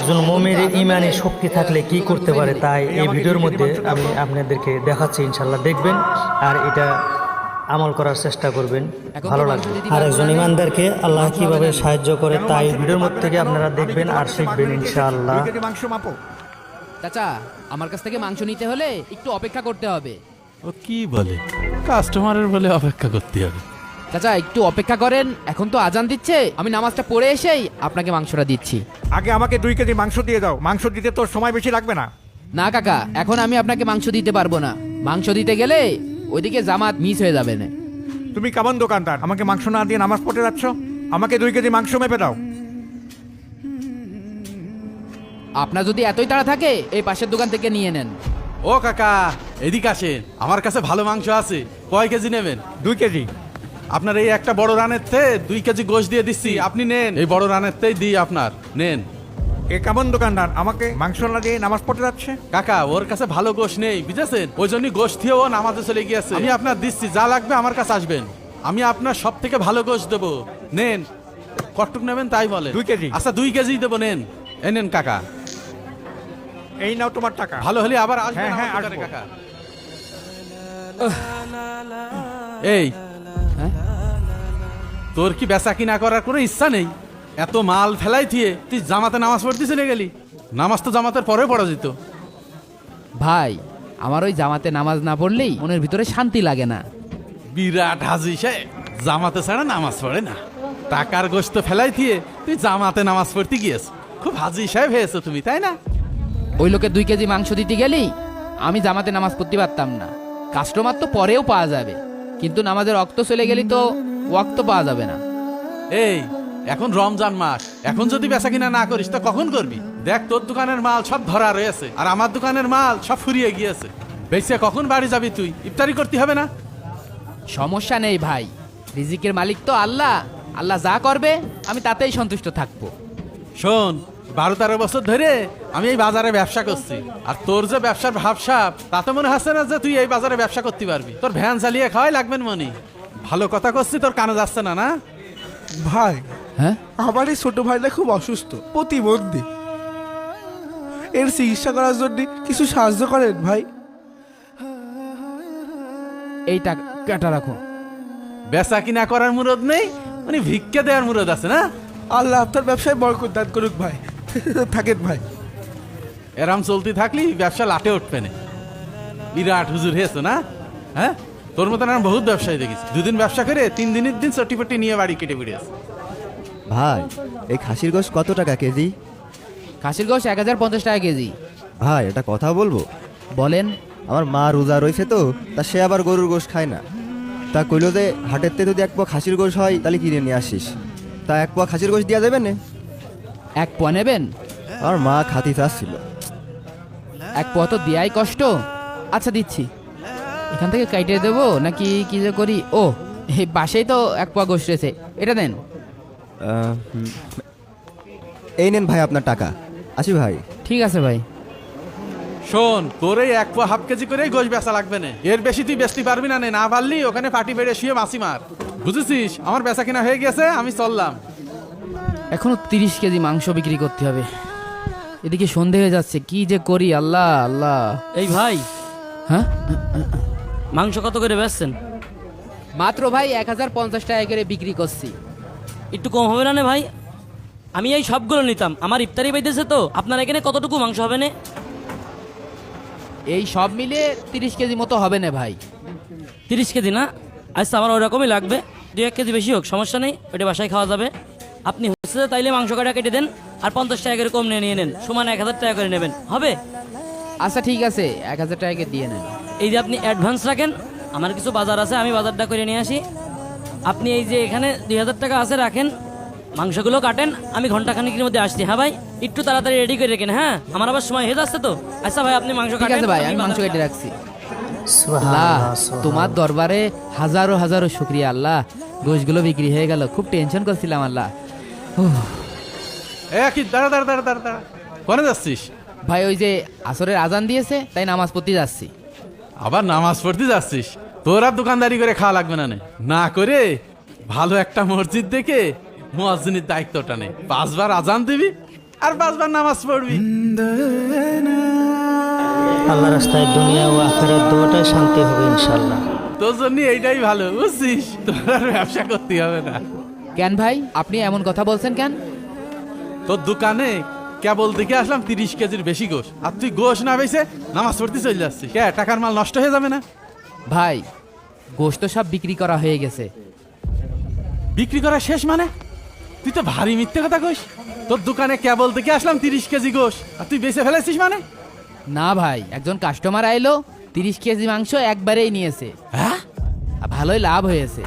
একজন মুমিনের ঈমানি শক্তি থাকলে কি করতে পারে, তাই এই ভিডিওর মধ্যে আমি আপনাদেরকে দেখাচ্ছি। ইনশাল্লাহ দেখবেন আর এটা আমল করার চেষ্টা করবেন, ভালো লাগবে। আর একজন ঈমানদারকে আল্লাহ কিভাবে সাহায্য করে, তাই ভিডিওর মধ্যে থেকে আপনারা দেখবেন আর শিখবেন ইনশাআল্লাহ। মাংস মাপো। চাচা, আমার কাছ থেকে মাংস নিতে হলে একটু অপেক্ষা করতে হবে। ও কি বলে, কাস্টমারের বলে অপেক্ষা করতে হবে? চাচা একটু অপেক্ষা করেন, এখন তো আজান দিচ্ছে, আমি নামাজটা পড়ে এসেই আপনাকে মাংসটা দিচ্ছি। আগে আমাকে 2 কেজি মাংস দিয়ে দাও। মাংস দিতে তোর সময় বেশি লাগবে না। না কাকা, এখন আমি আপনাকে মাংস দিতে পারবো না। মাংস দিতে গেলে ওইদিকে জামাত মিস হয়ে যাবে না। তুমি কেমন দোকানদার, আমাকে মাংস না দিয়ে নামাজ পড়তে যাচ্ছ? আমাকে 2 কেজি মাংস মেপে দাও। আপনার যদি এতই তাড়া থাকে এই পাশের দোকান থেকে নিয়ে নেন। ও কাকা, এদিকে আসেন, আমার কাছে ভালো মাংস আছে। কয় কেজি নেবেন? 2 কেজি। আপনার এই একটা বড় রানের থেকে 2 কেজি গোশ দিয়ে দিচ্ছি, আপনি নেন। এই বড় রানের তেই দিই আপনার, নেন। এ কেমন দোকানদার, আমাকে মাংস না দিয়ে নামাজ পড়তে যাচ্ছে? কাকা, ওর কাছে ভালো গোশ নেই, বুঝেছেন? ওই জন্যই গোশ দিয়ে ও নামাজে চলে গিয়েছে। আমি আপনার দিচ্ছি, যা লাগবে আমার কাছে আসবেন, আমি আপনার সব থেকে ভালো গোশ দেবো। নেন, কতটুক নেবেন তাই বলেন। 2 কেজি। আচ্ছা 2 কেজি দেবো, নেন। এই নেন কাকা, এই নাও তোমার টাকা। ভালো হলে আবার আসবেন হ্যাঁ, হ্যাঁ, আমার দোকানে, আসবো। কাকা। এই, হ্যাঁ? তোর কি বেচা কিনা করার কোনো ইচ্ছা নেই? এত মাল ফেলাই দিয়ে তুই জামাতে নামাজ পড়তে চলে গেলি। নামাজ তো জামাতের পরে পড়া যেত। ভাই, আমার ওই জামাতে নামাজ না পড়লেই মনের ভিতরে শান্তি লাগে না। বিরাট হাজি সে জামাতে ছাড়া নামাজ পড়ে না। টাকার গোশত ফেলাই দিয়ে তুই জামাতে নামাজ পড়তে গিয়েছ। খুব হাজি সাহেব হয়েছো তুমি, তাই না? ওই লোকে 2 কেজি মাংস দিতে গেলি আমি জামাতে নামাজ পড়তে পারতাম না। কাস্টমার তো পরেও পাওয়া যাবে, কিন্তু নামাজের ওয়াক্ত চলে গেলি তো ওয়াক্ত পাওয়া যাবে না। এই, এখন রমজান মাস, এখন যদি বেচা কিনা না করিস তো কখন করবি? দেখ, তোর দোকানের মাল সব ধরা রয়েছে আর আমার দোকানের মাল সব ফুরিয়ে গিয়েছে। বেচে কখন বাড়ি যাবি তুই? ইফতারি করতে হবে না? সমস্যা নেই ভাই, রিজিকের মালিক তো আল্লাহ। আল্লাহ যা করবে আমি তাতেই সন্তুষ্ট থাকবো। শোন, 12-13 বছর ধরে আমি এই বাজারে ব্যবসা করছি, আর তোর যে ব্যবসার ভাবসাব তাতে মনে হচ্ছে না যে তুই এই বাজারে ব্যবসা করতে পারবি। তোর ভ্যান চালিয়ে খাওয়াই লাগবেন মনি। ভালো কথা করছি, তোর কানে যাচ্ছে না? না ভাই, হ্যাঁ, আমার এই ছোট ভাইটা খুব অসুস্থ, প্রতিবন্ধী। এর চিকিৎসা করার জন্য কিছু সাহায্য করেন ভাই। এই টাকাটা রাখো। বেচা কিনা করার মুরদ নেই, মানে ভিক্ষা দেওয়ার মুরদ আছে না? আল্লাহ আপনার ব্যবসায় বরকত দান করুক ভাই। থাকেন ভাই। এরাম চলতে থাকলি ব্যবসা লাটে উঠবে না। বিরাট হুজুর হয়েছো না? হ্যাঁ, তোর মতন আমি বহুত ব্যবসায়ী দেখেছি, 2 দিন ব্যবসা করে 3 দিনের দিন চটিপটি নিয়ে বাড়ি কেটে বেরিয়েছে। ভাই, এই খাসির গোশ কত টাকা কেজি? খাসির গোশ 1050 টাকা কেজি। ভাই, এটা কথা বলবো? বলেন। আমার মা রোজা রয়েছে তো, তা সে আবার গরুর গোশ খায় না। তা কইলো যে হাটের থেকে যদি 1 পোয়া খাসির গোশ হয় তাহলে কিনে নিয়ে আসিস। তা 1 পোয়া খাসির গোশ দেওয়া যাবে না? 1 পোয়া নেবেন? আমার মা খাতি চাচ্ছিল। 1 পোয়া তো দেয়াই কষ্ট। আচ্ছা দিচ্ছি। এখান থেকে কাইটে দেবো নাকি কি যে করি? ও, এই পাশেই তো 1 পোয়া গোশ রয়েছে, এটা দেন। এই নেন ভাই আপনার টাকা। আসি ভাই। ঠিক আছে ভাই। শোন, তোর এই 1 পোয়া 1/2 কেজি করেই গোশ বেচা লাগবে না। এর বেশি তুই বেচতে পারবি না। না পারলি ওখানে পাটি বেড়ে শুয়ে মাছি মার, বুঝেছিস? আমার বেচা কিনা হয়ে গেছে, আমি চললাম। এখনো 30 কেজি মাংস বিক্রি করতে হবে। এদিকে সন্ধে হয়ে যাচ্ছে, কি যে করি। আল্লাহ আল্লাহ। এই ভাই, হ্যাঁ, মাংস কত করে বেচছেন? মাত্র ভাই 1050 টাকা করে বিক্রি করছি। একটু কম হবে না ভাই? আমি এই সবগুলো নিতাম, আমার ইফতারি পাইতেছে তো। আপনার এখানে কতটুকু মাংস হবে না? এই সব মিলে 30 কেজি মতো হবে না ভাই। 30 কেজি না? আচ্ছা, আমার ওরকমই লাগবে। 2-1 কেজি বেশি হোক, সমস্যা নেই, ওটা বাসায় খাওয়া যাবে। আপনি হচ্ছে তাইলে মাংস কাটা কেটে দেন, আর 50 টাকা করে কম নিয়ে নেন, সমান 1000 টাকা করে নেবেন, হবে? আচ্ছা ঠিক আছে, 1000 টাকা দিয়ে নেন। এই যে আপনি অ্যাডভান্স রাখেন, আমার কিছু বাজার আছে, আমি বাজারটা করে নিয়ে আসি। আপনি এই যে এখানে 2000 টাকা আছে রাখেন, মাংসগুলো কাটেন, আমি ঘন্টাখানিকের মধ্যে আসছি। হ্যাঁ ভাই, একটু তাড়াতাড়ি রেডি করে রেখেন। হ্যাঁ, আমার আবার সময় হয়ে যাচ্ছে তো। আচ্ছা ভাই, আপনি মাংস ঠিক কাটেন। আছে ভাই, আমি মাংস কেটে রাখছি। আল্লাহ, তোমার দরবারে হাজারো হাজারো শুকরিয়া আল্লাহ। গোশগুলো বিক্রি হয়ে গেল, খুব টেনশন করছিলাম আল্লাহ। কি দাঁড়া দাঁড়া দাঁড়া দাঁড়া দাঁড়া, কোনে যাচ্ছিস? ভাই, ওই যে আসরের আজান দিয়েছে, তাই নামাজ পড়তে যাচ্ছি। আবার নামাজ পড়তে যাচ্ছিস? তোর আর দোকানদারি করে খাওয়া লাগবে না। না করে ভালো একটা মসজিদ দেখে মুয়াজ্জিনের দায়িত্বটা নে, 5 বার আজান দিবি, আর 5 বার নামাজ পড়বি। আল্লাহ রাস্তায় দুনিয়া ও আখেরাত দুটোটাই শান্তি হবে ইনশাল্লাহ। তোর জন্য এইটাই ভালো, বুঝছিস? তোর আর ব্যবসা করতে হবে না। কেন ভাই আপনি এমন কথা বলছেন কেন? তোর দোকানে কেবল দেখে আসলাম 30 কেজির বেশি গোশ, আর তুই গোশ না বেছে নামাজ পড়তে চলে যাচ্ছিস। কে টাকার মাল নষ্ট হয়ে যাবে না? ভাই গোশত সব বিক্রি করা হয়ে গেছে। বিক্রি করা শেষ মানে? তুই তো ভারী মিথ্যে কথা কইস। তোর দোকানে কেবল দেখে আসলাম 30 কেজি গোশ, আর তুই বেচে ফেলেছিস মানে? না ভাই, একজন কাস্টমার আইলো 30 কেজি মাংস একবারেই নিয়েছে। হ্যাঁ, আর ভালোই লাভ হয়েছে।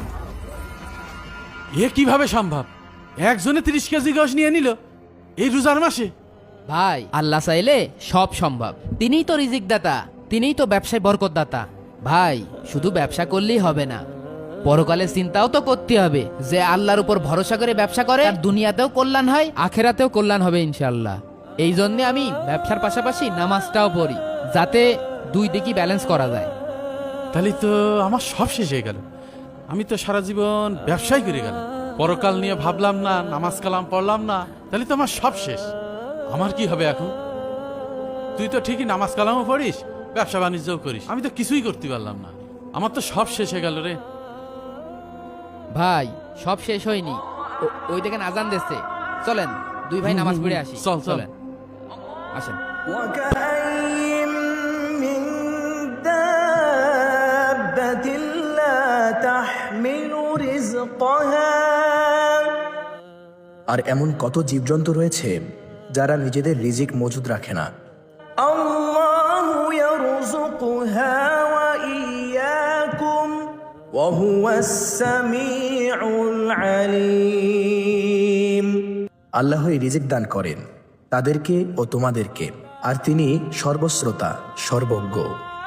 এ কিভাবে সম্ভব? একজনে 30 কেজি গোশ নিয়ে নিল এই রোজার মাসে? ভাই আল্লাহ চাইলে সব সম্ভব। তিনিই তো রিজিক দাতা, তিনিই তো ব্যবসায় বরকত দাতা। ভাই শুধু ব্যবসা করলেই হবে না, পরকালের চিন্তাও তো করতে হবে। যে আল্লাহর উপর ভরসা করে ব্যবসা করে তার দুনিয়াতেও কল্যাণ হয়, আখেরাতেও কল্যাণ হবে ইনশাআল্লাহ। এই জন্যে আমি ব্যবসার পাশাপাশি নামাজটাও পড়ি, যাতে দুই দিকই ব্যালেন্স করা যায়। তাহলে তো আমার সব শেষ হয়ে গেল। আমি তো সারা জীবন ব্যবসায় করে গেলাম, পরকাল নিয়ে ভাবলাম না, নামাজ কালাম পড়লাম না। তাহলে তো আমার সব শেষ। আমার কি হবে এখন? তুই তো ঠিকই নামাজ কালামও পড়িস, ব্যবসা বাণিজ্যও করিস, আমি তো কিছুই করতে পারলাম না। আমার তো সব শেষ হয়ে গেল রে। ভাই সব শেষ হয়নি, ওই দেখেন আজান দিচ্ছে। চলেন দুই ভাই নামাজ পড়ে আসি। চল, চল। চলেন, আসেন। وكأين من دابة لا تحمل رزقها আর এমন কত জীবজন্তু রয়েছে যারা নিজেদের রিজিক মজুদ রাখে না। الله يرزقها وإياكم وهو السميع العليم আল্লাহই রিজিক দান করেন তাদেরকে ও তোমাদেরকে, আর তিনি সর্বশ্রোতা সর্বজ্ঞ।